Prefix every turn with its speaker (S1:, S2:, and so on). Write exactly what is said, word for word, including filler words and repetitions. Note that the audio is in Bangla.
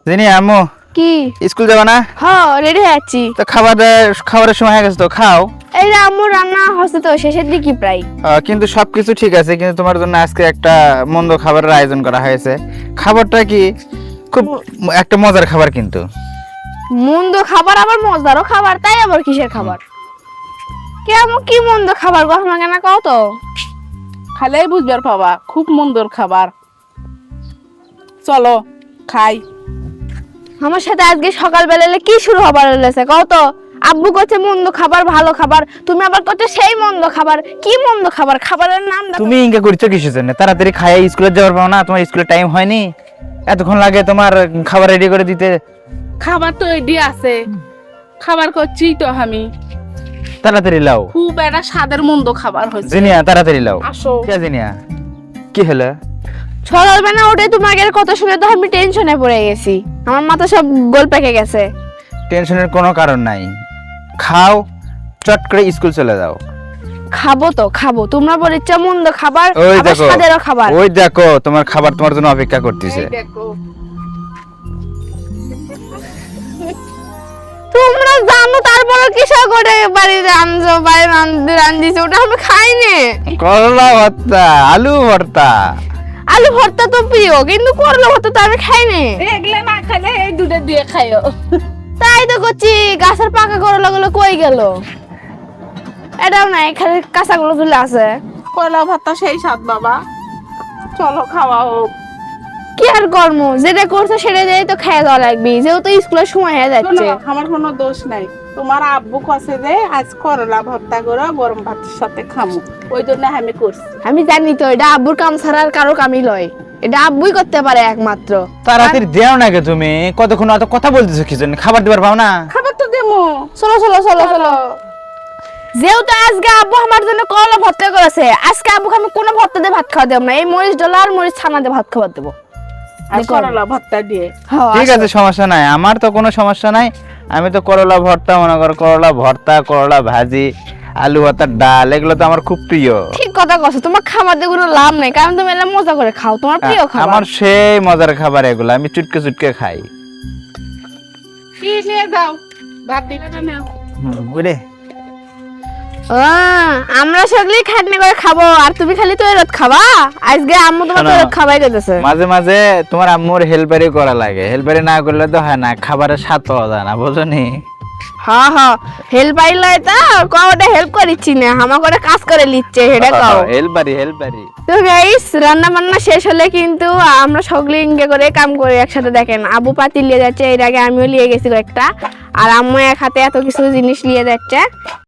S1: জানি আম্মু
S2: কি
S1: স্কুল যাবা না?
S2: হ্যাঁ রেডি হয়ে আছি।
S1: তো খাবার খাবারের সময় হয়ে গেছে তো খাও।
S2: এই যে আম্মু রান্না হচ্ছে তো শেষের দিকে প্রায়।
S1: আহ, কিন্তু সবকিছু ঠিক আছে, কিন্তু তোমার জন্য আজকে একটা মন্দ খাবারের আয়োজন করা হয়েছে। খাবারটা কি খুব একটা মজার খাবার কিন্তু।
S2: মন্দ খাবার আবার মজারও খাবার, তাই আবার কিসের খাবার? কেমন কি মন্দ খাবার গো আমাকে না কও তো।
S3: খালেই বুঝবার পাবা খুব মন্দর খাবার। চলো খাই।
S2: আমার সাথে আজকে সকালবেলা কি শুরু হবার হয়েছে কও তো? আব্বু করছে মন্দ খাবার ভালো খাবার, তুমি আবার করছো সেই মন্দ খাবার। কি মন্দ খাবার? খাবারের নাম দেখো।
S1: তুমি ইনকা করছো কিসের জন্য? তাড়াতাড়ি খাইয়ে স্কুলে যাওয়ার পাও না? তোমার স্কুলে টাইম হয়নি, এতক্ষণ লাগে তোমার খাবার রেডি করে দিতে।
S3: খাবার তো এডি আছে, খাবার করছি তো আমি।
S1: তাড়াতাড়ি লাও।
S3: খুব একটা স্বাদের মন্দ খাবার হয়েছে।
S1: জিনিয়া তাড়াতাড়ি লাও।
S3: আসো।
S1: কে জিনিয়া কি হলো?
S2: সকালবেলা উঠে তোমাকে কথা শুনে তো আমি টেনশনে পড়ে গেছি, আমার মাথা সব গোল পেকে গেছে।
S1: টেনশনের কোনো কারণ নাই, খাও চট করে স্কুল চলে যাও।
S2: খাবো তো খাবো, তোমরা বলেছ মন্দ খাবার
S1: ওই
S2: আবার
S1: দেখো
S2: স্বাদেরও খাবার।
S1: ওই দেখো তোমার খাবার তোমার জন্য অপেক্ষা করতেছে।
S3: এই দেখো
S2: তোমরা জানো তারপরে কিসব করে বাড়িতে আনছো, বাইরে রান্ধিছো, ওটা আমি খাইনি।
S1: করলা ভর্তা, আলু ভর্তা।
S2: আলু ভর্তা তো প্রিয়, কিন্তু করলা ভর্তা তো আমি খাইনি।
S3: এগুলা না খাইলে এই দুটো দিয়ে খাইও।
S2: তাই তো করছি, গাছের পাকা করলা গুলো কই গেল? এটাও নাই, খালি কাঁচা গুলো চলে আছে।
S3: কয়লা ভাতটা সেই স্বাদ বাবা। চলো খাওয়া হোক।
S2: কি আর কর্ম, যেটা করছো সেটা দিয়েই তো খেয়ে যাওয়া লাগবে, যেহেতু স্কুলের সময় হয়ে যাচ্ছে।
S3: শোনো, আমার কোনো দোষ নাই। তোমার আব্বু কষে যে আজ করলা ভর্তা করে গরম ভাতের সাথে খামু, ওই জন্য আমি করছি।
S2: আমি জানি তো এটা আব্বুর কাম ছাড়া আর কারো কামই লয়, এটা আব্বুই করতে পারে একমাত্র।
S1: তাড়াতাড়ি দেও না গে, তুমি কতক্ষণ অত কথা বলতেছো কি জন্য? খাবার দিবার পাও না?
S3: খাবার তো দেবো।
S2: চলো চলো চলো চলো। যেহেতু আজকে আব্বু আমার জন্য করলা ভর্তা করেছে, আজকে আব্বুকে আমি কোনো ভর্তা দিয়ে ভাত খাওয়া দেবো না, এই মরিচ ডলা আর মরিচ ছানা দিয়ে ভাত খাওয়া দেবো।
S3: আর করলা ভর্তা দিয়ে।
S2: হ্যাঁ,
S1: ঠিক আছে, সমস্যা নাই, আমার তো কোনো সমস্যা নাই। আমি তো করলা ভর্তা মনে করো, করলা ভর্তা, করলা ভাজি, আলু ভর্তা, ডাল, এগুলো তো আমার খুব প্রিয়।
S2: ঠিক কথা কছো, তোমার খাবার দিয়ে কোনো লাভ নাই, কারণ তুমি এলা মজা করে খাও, তোমার প্রিয় খাবার।
S1: আমার সেই মজার খাবার এগুলো, আমি চুটকে চুটকে খাই।
S3: কি নিয়ে যাও, ভাত দিবে না নাও।
S1: বুঝলে
S2: আহ, আমরা সকলেই খাটনি করে খাবো, আর তুমি খালি তো এরত খাবা। আজকে আম্মু তোমার তো
S1: শোনো,
S2: এরত খাবাই গেছে।
S1: মাঝে মাঝে তোমার আম্মুর হেল্পারি করা লাগে, হেল্পারি না করলে তো হয় না, খাবারের স্বাদ পাওয়া যায় না, বুঝো নি?
S2: হ্যাঁ হ্যাঁ, হেল্প পাইলে তো কওটা হেল্প করিচ্ছি না, আমার করে কাজ করে লিচ্ছে সেটা কও।
S1: হেল্পারি হেল্পারি।
S2: তো গাইস, রান্না বান্না শেষ হলে কিন্তু আমরা সকলে ইঙ্গে করে কাম করি একসাথে। দেখেন আবু পাতি নিয়ে যাচ্ছে, এর আগে আমিও নিয়ে গেছি একটা, আর আম্মু এক হাতে এত কিছু জিনিস নিয়ে যাচ্ছে।